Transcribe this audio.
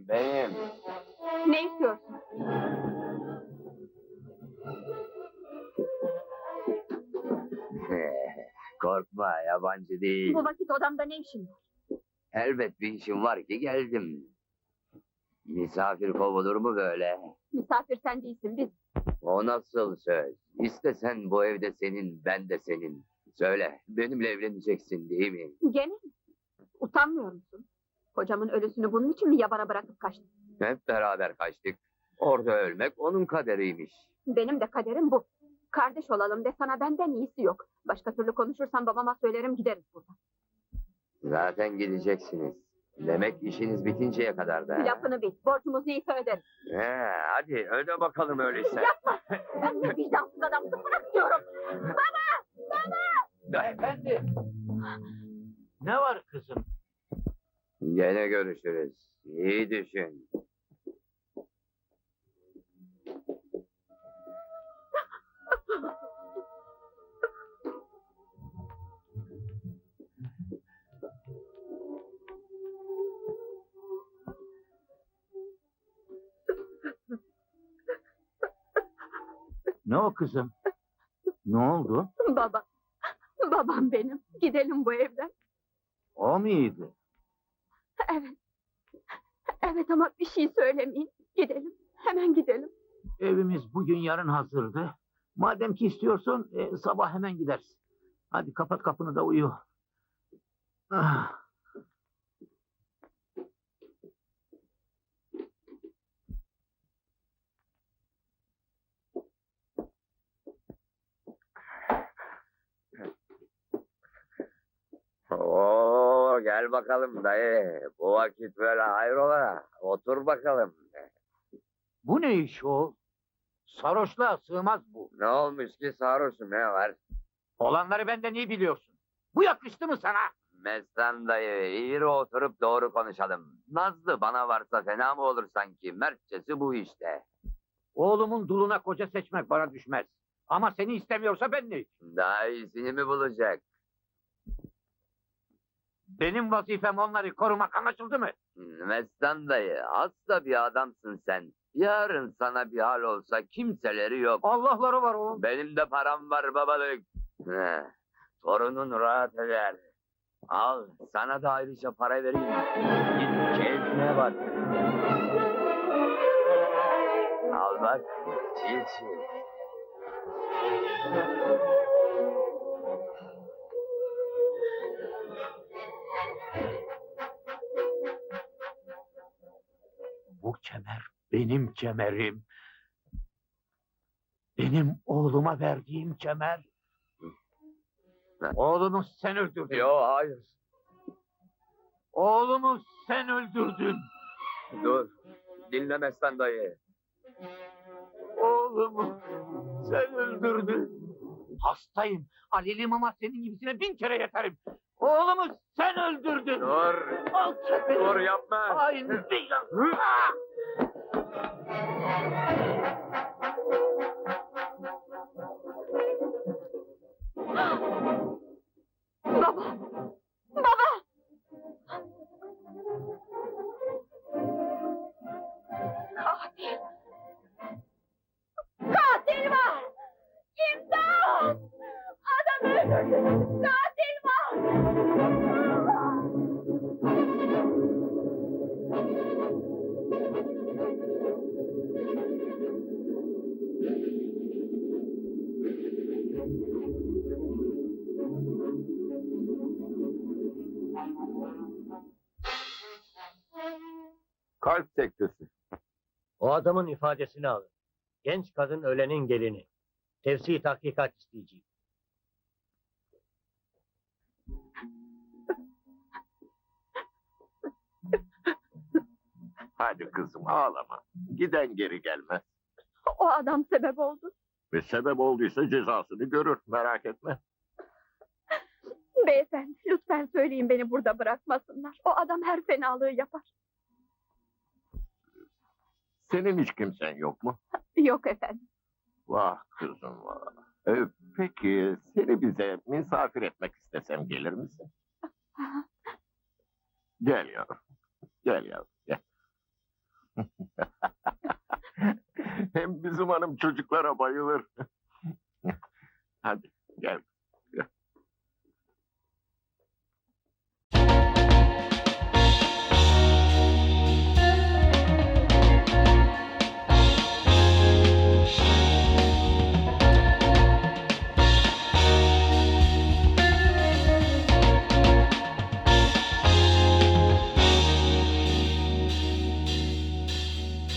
Benim. Ne istiyorsun? Korkma, yabancı değil. Bu vakit odamda ne işin var? Elbet bir işim var ki geldim. Misafir kovulur mu böyle? Misafir sen değilsin, biz. O nasıl söz? İstesen bu evde senin, ben de senin. Söyle, benimle evleneceksin değil mi? Gene mi? Utanmıyor musun? Kocamın ölüsünü bunun için mi yabana bırakıp kaçtın? Hep beraber kaçtık. Orada ölmek onun kaderiymiş. Benim de kaderim bu. Kardeş olalım de sana benden iyisi yok. Başka türlü konuşursan babama söylerim gideriz buradan. Zaten gideceksiniz. Demek işiniz bitinceye kadar da. Lafını bil. Borcumuz neyse öderiz. Hadi öde bakalım öyleyse. Yapma! Ben de vicdansız adamsın. Bırak diyorum. Efendi. Ne var kızım? Gene görüşürüz. İyi düşün. Ne o kızım? Ne oldu? Baba. Babam benim. Gidelim bu evden. O muydu? Evet. Evet ama bir şey söylemeyin. Gidelim. Hemen gidelim. Evimiz bugün yarın hazırdı. Madem ki istiyorsun sabah hemen gideriz. Hadi kapat kapını da uyu. Ah. Oo, gel bakalım dayı. Bu vakit böyle hayrola. Otur bakalım. Bu ne iş o? Sarhoşluğa sığmaz bu. Ne olmuş ki sarhoşum, ne var? Olanları benden iyi biliyorsun. Bu yakıştı mı sana? Meslan dayı, eğri oturup doğru konuşalım. Nazlı bana varsa fena mı olur sanki? Mertçesi bu işte. Oğlumun duluna koca seçmek bana düşmez. Ama seni istemiyorsa ben ne? Daha iyisini mi bulacak? Benim vazifem onları korumak, anlaşıldı mı? Meslan dayı, hasta bir adamsın sen. Yarın sana bir hal olsa kimseleri yok. Allah'ları var o. Benim de param var babalık. Torunun rahat eder. Al, sana da ayrıca para vereyim. Git keyfine bak. Al bak, çiğ çiğ. Bu kemer benim kemerim. Benim oğluma verdiğim kemer. Oğlumu sen öldürdün. Yo, hayır. Oğlumu sen öldürdün. Dur, dinle Meslan dayı. Oğlumu sen öldürdün. Hastayım. Aleliyim ama senin gibisine 1000 kere yeterim. Oğlumu sen öldürdün. Dur, Alçak beni. dur yapma. Aynı değil. Baba! Baba! Katil! Katil var! İmdat! Adam öldürdü! Katil var! Kalp sektesi. O adamın ifadesini alın. Genç kadın ölenin gelini. Tefsi tahkikat isteyeceğim. Hadi kızım ağlama. Giden geri gelmez. O adam sebep oldu. Ve sebep olduysa cezasını görür. Merak etme. Beyefendi, lütfen söyleyin beni burada bırakmasınlar. O adam her fenalığı yapar. Senin hiç kimsen yok mu? Yok efendim. Vah kızım vah. Peki seni bize misafir etmek istesem gelir misin? Gel yavrum. Gel yavrum. Gel. Hem bizim hanım çocuklara bayılır. Hadi